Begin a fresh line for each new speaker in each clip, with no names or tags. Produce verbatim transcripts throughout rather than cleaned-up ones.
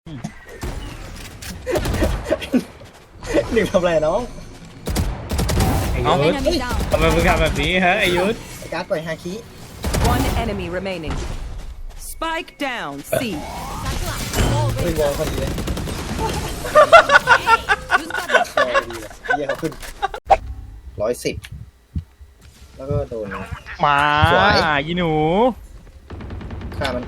หนึ่งทำไรน้องไอ้ยุทธทำไมมึงทำแบบนี้ฮะไอ้ยุทธไอ้การ์ดปล่อยฮาคิ
One enemy remaining. Spike down. C.
เฮ้ยวอลพอดีเลยวอลพอดีเลยเยี่ยเขาขึ้นร้อยสิบแล้วก็โดน
มา
สวย
ยีหนู
ฆ่ามัน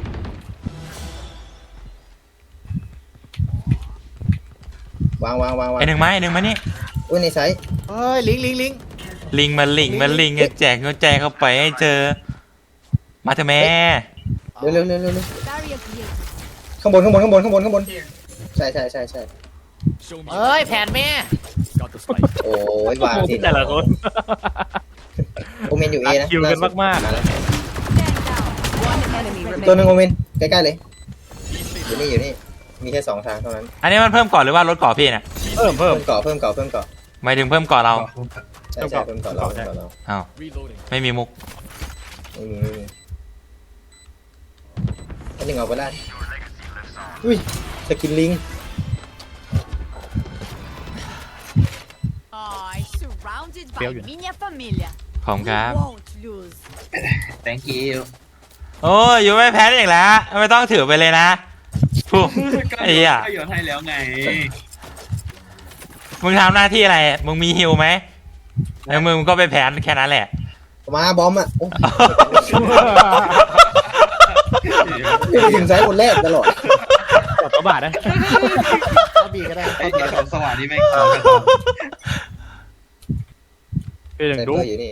วางวางวางวาง
ไอหนึ่งไหมไอหนึ่งไหมนี่
อุ้ยในไซส์
เฮ้ยลิงลิงลิง
ลิงมาลิงมาลิงแจกเงินแจกเข้าไปให้เจอ มาเถอะแม่
เร็วเร็วเร็วเร็วเร็วข้างบนข้างบนข้างบนข้างบนข้างบนใช่ใช่ใช่ใช่
เฮ้ยแผนแม่
โอ้ยวางสิ
แต่ละคน
โอเมนอยู่เอนะ
คิวกันมากๆ
แล้ว
One enemy
ตัวหนึ่ง
remaining.
โอเมนใกล้ๆเลยอยู่นี่อยู่นี่มีแค่สองทางเท่านั้น
อันนี้มันเพิ่มก่อนหรือว่าลดก่อพี่น่ะ
เพิ่มเพิ่
เพิ่
ม
มเกาะเพิ่มเกาะเพิ่มเกาะ
หมายถึงเพิ่มก่อเรา
ใช่ใช่เพิ่มเกาะเราเพิ่มเกาะเรา
อ้าวไม่มีมุก
ไม่มีไม่มีอันหนึ่งเอาไปได้อุ้ยสกินลิง
Ai, surrounded by minha família.
ขอบคุณครับ
Won't lose.
thank you
โอ้ยอยู่ไม่แพ้อีกแล้วไม่ต้องถือไปเลยนะผู้ไอ้เหี้ย
ก็โยนให้แล้วไง
มึงทำหน้าที่อะไร มึงมีฮิวไหมแล้วมึงก็ไปแพ้แค่นั้นแหละ
มาบอมอ่ะโอ้ยถึงไซส์คนแรกตลอด
ตบกระบาดนะ
เอาบีก็ได้
ไอ้เด็กของสวัสดีแม่งเขากัน
เป็นอย่าง
แต่
ดู
ตัวอยู่นี่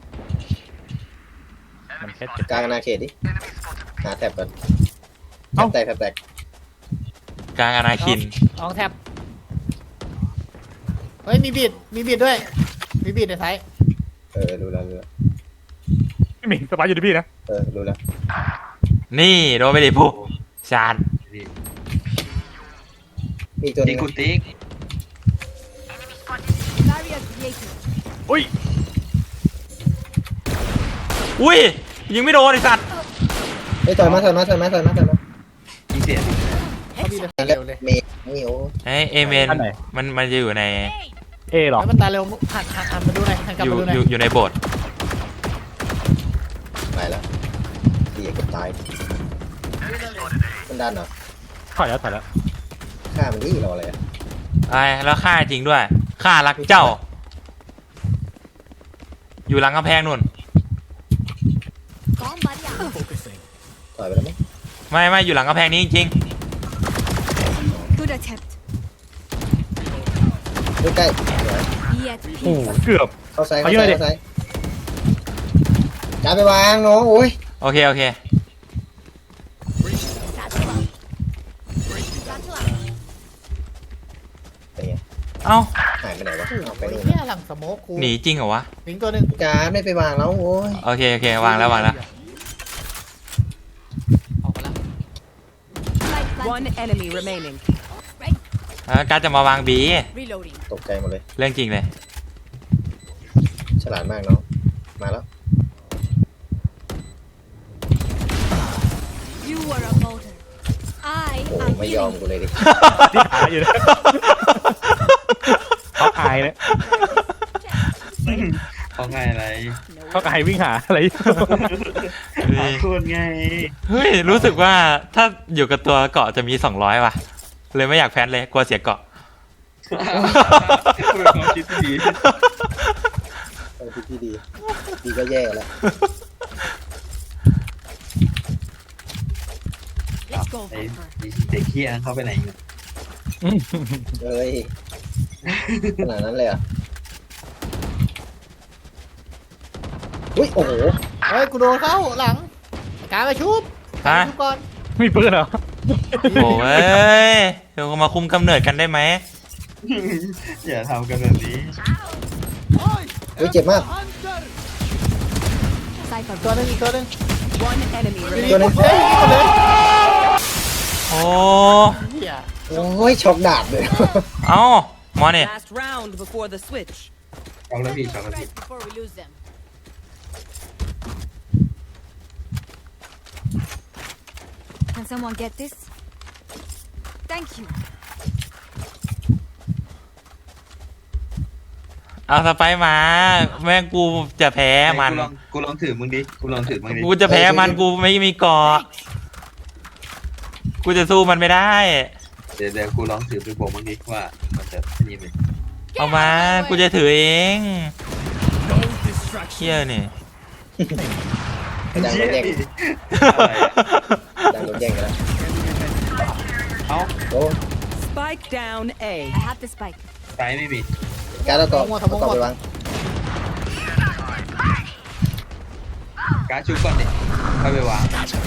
มันแค่เจ็บ
กลางอาณาเขตดิหาแท็บก่อนแท็บแตกแท็บแตก
กลางอนาคิน
ลองแท็บเฮ้ยมีบีดมีบีดด้วยมีบีดในไทย
เออรู้แล้วรู้แล้ว
ไม่มีสบายอยู่ที่พี่นะ
เออรู้แล้ว
นี่โดนไปดิผู้ชาญ
มีอีกตัวห
ยิ
นึ
ง
ง
กูติ๊ก
Barrier created.
อุ้ย
อุ้ยยิงไม่โดนไอ้สัตว์
เฮ้ยถอยมาถอยมาถอยมาถอยมาถอยมา
ยิงเสีย
เอาบีดในไทย
แล้
เร็
ว
วเลย
เมย์นี่โอ้
ไอเอเมนมันมันจะอยู่ใน
เอหรอ
แล้วมันตายเร็วหันหันหันมาดูหน่อยหันกลับ
อยู่
มาดูหน่
อ
อย
ยู่อยู่ในโบสถ์
ตายแล้วดีเกือบตายมันดันเหรอ
ถอยแล้วถอยแล้ว
ฆ่ามันดิรออะไรอ่ะ
ไอ้แล้วฆ่าจริงด้วยฆ่ารักเจ้า อยู่หลังกำแพงนู่น
Com barrier.
ถอยไปแล้วมั้ง
ไม่ไม่อยู่หลังกำแพงนี้จริง
Good attempt.
ใกล้ๆเดี๋ยว
Be at
โอ้
peace.
เกือบ
เข้าซ้าย
เอา
เข้า
เย
ซ้า
อะ
ย
ดิ
เข้าซ้ายการไปวางน้องโอ้ย
ๆโอเคโอเค
Satchel out. Satchel out.
เป็นไง
เอ้า
หายไปไหนวะเอาไป
โอ้ย
นู่น
เฮียหลังสโมกกู
หนีจริงเหรอวะ
ลิงตัวหนึ่ง
การไม่ไปวางแล้วโอ้ย
โอเคโอเควางแล้ววางแล้ว
ออกมาแล้ว
Light
One
planted.
enemy remaining.
Ready.
แล้วการจะมาวางบี
Reloading.
ตกใจหมดเลย
เรื่องจริงเลย
ฉลาดมากน้องมาแล้ว
You were a voter. I
โอ้
am
ไม่ยอม
healing.
กูเลยดิ
ที่หาอยู่นะเขาอายเลย
เขาไงอะไร
เขาอายวิ่งหาอะไร
เขาพูดไง
เฮ้ยรู้สึกว่าถ้าอยู่กับตัวเกาะจะมีสองร้อยว่ะ เลยไม่อยากแพนเลยกลัวเสียเกาะ
เป็นความคิดที่ดี
เออที่ดี ดีก็แย่แล้ว
Let's go,
ไอ้
Viper.
เด็กเฮียเขาไปไหนเนี่ย
เฮ้ยขนาดนั้นเลยเหรอ่ะอุ้ยโอ้โห
เฮ้ยกูโดนเข้าหลังการมาชุบ
ฮะ
ชุบก่อน
มีปืนเหรอ
โอ้ยเดี๋ยวมาคุมกำเนิดกันได้ไหม
อย่าทำกันแบบนี้
อุ้ยเจ็บมาก
Cypher.
ตัวหนึ่งอีกตัวหนึ่ง
One enemy
ลิง
remaining.
ตัวหนึง
เฮ้ยยิงหมดเลย
โอ้
เฮีย
โอ้ยช็อกดาบเลย
เอ้าหมอเนี่ย
Last round before the switch.
ช็อกแล้วพี่ช็อกแล้วพี่
Rest before we lose them. Can someone get this? Thank you.
เอาสไปร์มาแม่งกูจะแพ้มัน
กูลองกูลองถือมึงดิกูลองถือมึงดิ
กูจะแพ้มันกูไม่มีเกาะกูจะสู้มันไม่ได้
เดี๋ยวเดี๋ยวกูลองถือไปบอกมึงดิว่ามันจะนี่ไหม
เอามากูจะถือเองเชี่ยนี่
ดังโดนแย่ง
อะไรอะ
ดังโดนแย่งกันแล้ว
เอ้า
โอ้
Spike down A.
I have the spike.
ไฟไม่มี
การ์ดแล้วก็เอากล่องไปวาง
การ์ดชุบก่อนดิค่อยไปวาง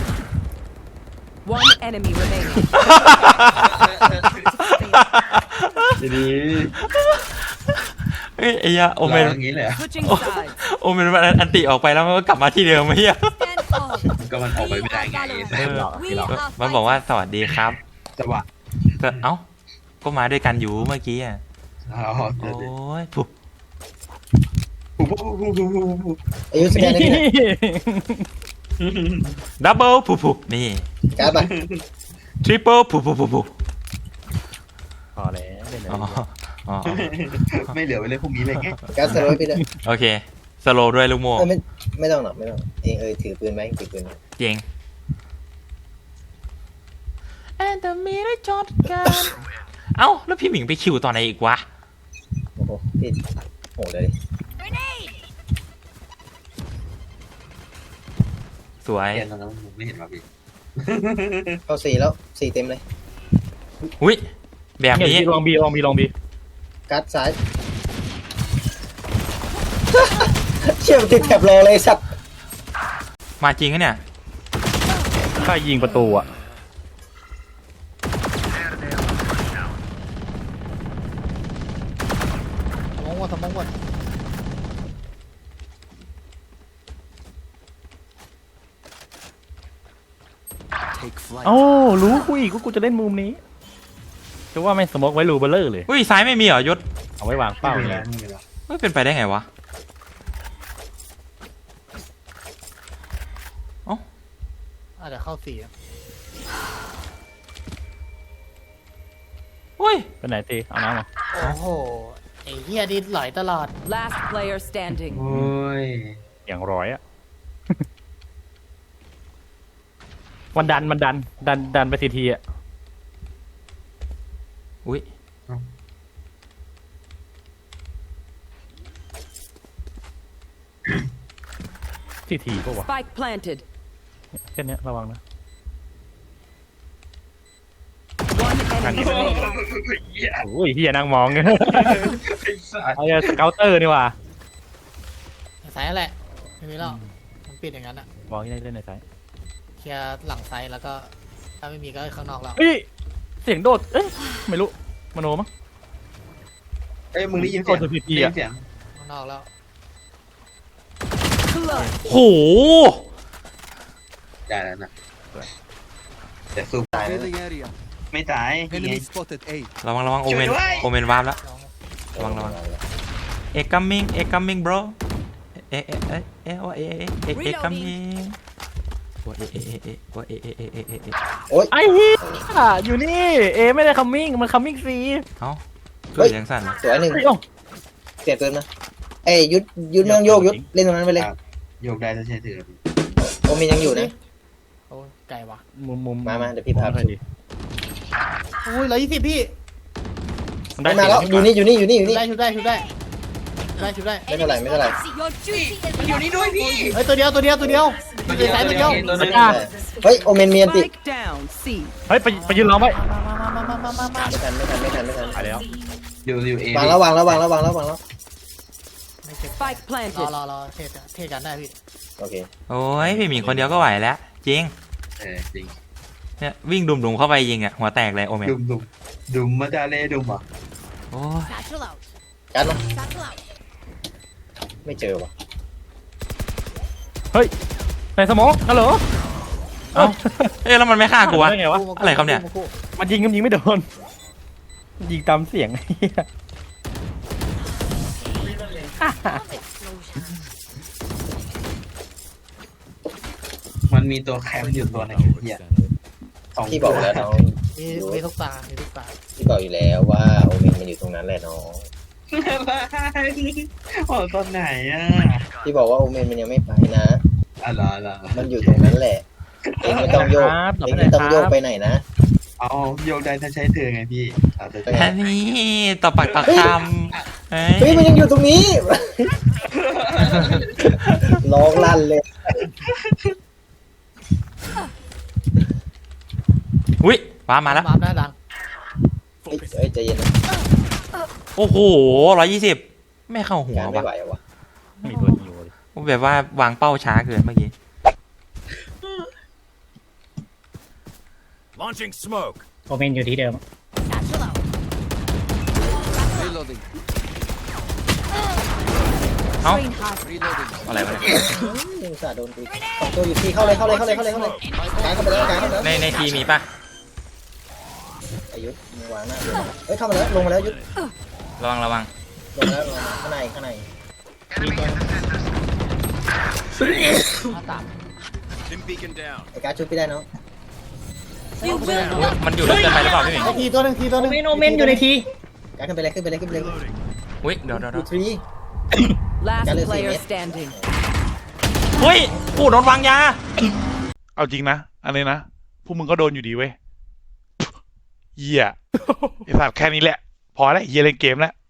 One enemy remaining.
ดี
เฮ้ยไอ้ยะ
ๆ
โอเมน
ราอย่างนี้เลยเหรอ
Switching sides.
โอเมนมันอันติออกไปแล้วมันก็กลับมาที่เดิมไม่ใช่
Stand tall.
ก็มันออกไปไม่ได้ไง
เออ
We
ก็
are
มันบอกว่าสวัสดีครับ
จังหวะ
แต่เอ้าก็มาด้วยกันอยู่เมื่อกี้อ่ะ
อ๋อ
โอ้
เดี๋ยวๆ
ยปุ๊บ
ปุ๊บปุ๊บปุ๊บปุ๊บปุ๊บปุ๊บ
อายุสแกนได้ไหม
ดับเบิลปุ๊บปุ๊บนี่
การ์ดไป
ทริปเปิลปุ๊บปุ๊บปุ๊บปุ๊บ
พอแล้วเล่นเลย
อ๋ออ๋อ
ไม่เหลือไว้เลยพวกนี้เลยไง
การ์ดสโลว์ไปเลย
โอเคสโลว์ด้วยลูกโม่
เอ้ยไม่ไม่ต้องหรอกไม่ต้องเองเอยถือปืนไหมถือปืนไหม
เจ๋งแอนแต่มีได้จอดกันเอ้าแล้วพี่หมิงไปคิวตอนไหนอีกวะ
โอ้โหพี่โหเลย
Grenade.
สวย
เรียนตอนนั้นผมไม่เห็นว่าพี่
เข้าสี่แล้วสี่เต็มเลย
อุ้ยแบบนี้
เนี่ยลองบีลองบีลองบี
การ์ดซ้าย เชี่ยมันติดแถบรอเลยสัตว์
มาจริงอะเนี่ย
ถ้ายิงประตูอ่ะ
สมองหมดสมองหมด
เอ้ารู้กูอีกว่ากูจะเล่นมุมนี้จะว่าไม่งสโมกไว้รูเบลเลอร์เลย
อุ้ยซ้ายไม่มีเหรอยศ
เอาไว้วางเป้า
ไม่
เลย
มีแล้ว
ไม่เป็นไปได้ไงวะ
อ่ะเดี๋ยวเข้าสี่อะ
อุ้ย
ไปไหนตีเอาน้ำมา
โอ้โหไอ้เฮียดิไหลตลอด
Last player standing.
โอ้ย
อย่างร้อยอ่ะ มันดันมันดันดันดันไปทีทีอ่ะ
อุ้ย
ทีทีปะวะ
Spike planted.
แค่เนี้ยระวังนะ
One enemy remaining.
โอ้ยเฮียนั่งมอง
ไอ้สัส
ไอ้สเกลเตอร์นี่ว่ะ
สายนั่นแหละไม่มีหรอกมันปิดอย่างนั้นอะ
มองที่ได้เล่นในสาย
เคลียร์หลังไซส์แล้วก็ถ้าไม่มีก็ข้างนอกแล้ว
เฮ้ยเสียงโดดเอ้ยไม่รู้มโนมั้ง
เอ้ยมึงได้ยินเสียง
โดน พี พี
ได้
อะ
ยินเสียง
ข้างนอกแล้ว
Clutch.
โห
ได้แล้วนะแต่สู้ตายแล้วไม่ตายนี่ไง
ระวังระวังโอเมน
ช่วยด้วย
โอเมนวาร์ปแล้ว
ลอง
ระวังระวัง เอ็กกัมมิงเอ็กกัมมิง bro เอ๊ะเอ๊ะเอ๊ะเอ๊ะว่าเอ๊ะเอ๊ะเอ๊ะเอ็กกัมมิงว่าเอ๊ะเอ๊ะเอ๊ะว่าเอ๊ะเอ๊ะเอ๊ะเอ๊ะเอ๊ะเอ๊ะ
โอ๊ย
ไอ้เหี้ยอยู่นี่ เอไม่ได้คัมมิ่งมันคัมมิ่งซี
เอ้า
เฮ้
เกิด
ย
ยังสั่นเหรอ
สวยหนึ่ง
เฮ้ยเอ้า
เปลี่ยนปืนมาเอ้ยยุดยุดไม่ต้องโยกยุดเล่นตรงนั้นไปเลย
โยกได้ถ้าใช้ถือ
โอมินยังอยู่นะ
โอ้ยไกลว่ะ
มุมมุม
มามาเดี๋ยวพี่พาไป
ไปดิ
โอ้ยร้อยยี่สิบพี่
มัน
ไม่
ได้
มาแล้วอยู่นี่อยู่นี่อยู่นี่อยู่
ชุบ
นี่
ได้ชุบได้ชุบได้ได้ชุบได้
ไม่เท่าไหร่ไม่เท่าไหร่
Your duty is
มันอยู่นี่ด้วยพี่
เฮ้ยตัวเดียวตัวเดียวตัวเดียวตัวเดียวสายตัวเดียว
ตัวนึง
เฮ้ยโอเมนเมียนติ
Spike down. C.
เฮ้ยไปไปยืนร้องไว้
มามามามามามา
ไม่ทันไม่ทันไม่ทันไม่ทัน
ไปแล้ว
อยู่อยู่เอ
วางแล้ววางแล้ววางแล้ววางแล้ววางแล้ว
ไม่เจ็บ
Spike
รอ
planted.
รอรอเทเทกันได้พี่
โอเค
โอ้ยพี่หมิงคนเดียวก็ไหวแล้ว จริง
เออจริง
เนี่ยวิ่งดุมๆเข้าไปยิงอ่ะหัวแตกเลยโอเมน
ดุมดุมดุมมาดาเล่ดุมอ่ะ
โอ้ย
satchel out.
การ์ดมา
Satchel out.
ไม่เจอว่ะ
เฮ้ยในสโมองฮัลโหล
เอ้าเอ๊ะแล้วมันไม่ฆ่ากูวะ
ได้ไงวะ
อะไรครับเนี่ย
มันยิงมันยิงไม่โดนมันยิงตามเสียงไอ้เหี้ย
มันมีตัวแคมอยู่ตัวหนึงเหี้ยสอง
พี่บอกแล้วน้อง
มีมีทุกตามีทุกตา
พี่บอกอยู่แล้วว่าโอเมนมันอยู่ตรงนั้นแหละน้อง
อะไรบอกตอนไหนอ่ะ
พี่บอกว่าโอเมนมันยังไม่ไปนะ
อะไรอะไร
มันอยู่ตรงนั้นแหละเองไม่ต้องโยก
ครับต่อ
เอ
ไป
ง
ไหน
ไม่ต้อง
ค
โย
รั
ก
บ
ไปไหนนะ
เอาโยกได้ถ้าใช้เธอไงพี่เอาเธอ
แค่นี้ต่อปากต่อคำเฮ้
เฮ้ย
ย
มันยังอยู่ตรงนี้ ร้องลั่นเลย
อุ้ยว้ามาแล้ว
มาหน้าดัง
เฮ้ยเฮ้ยใจเย็นนะ
โอ้โหร้อยยี่สิบไม่เข้าหัว
การไม่
ว่ะ
ไหวอะวะ
มีตัวฮิวเลย
แบบว่าวางเป้าช้าเกินเมื่อกี้
Launching smoke.
โอเมนอยู่ที่เดิม
Satchel out.
เอ้า
Train hard.
อะไรวะเนี่ย
ยิงสาโดนกูสองตัวอยู่ที่เข้าเลยเข้าเลยเข้าเลยเข้าเลยเข้าเลยกายเข้าไปแล้วกายเข้าไปแล้ว
ในในทีมีป่ะ
อายุมึงวางหน้าเลยเฮ้ยเข้ามาแล้วลงมาแล้วยุทธ
ระวังระวัง
ลงมาแล้วลงมาข้างในข้างในมีตัว
หน้าต่าง
Dim beacon down.
ไอ้การชุบพี่ได้เนาะ
You will
อุ๊ยมันอยู่ลึกเกินไปหรือเปล่าพี่หมิง
ไอ้ทีตัวหนึ่งทีตัวหนึ่ง
โอเมนอยู่ในทีการขึ้นไปเลยขึ้นไปเลยขึ้นไปเลย
Reloading.
อุ้ยเดี๋ยวเดี๋ยว
ดู
เดี๋ยว
ทรี
last
Galaxy
player
Mate.
standing.
เฮ้ยกูโดนวางยา
เอาจริงนะ อันนี้นะ พวกมึงก็โดนอยู่ดีเว้ย เหี้ย ไอ้สัตว์แค่นี้แหละ พอแล้วเหี้ยเล่นเกมแล้ว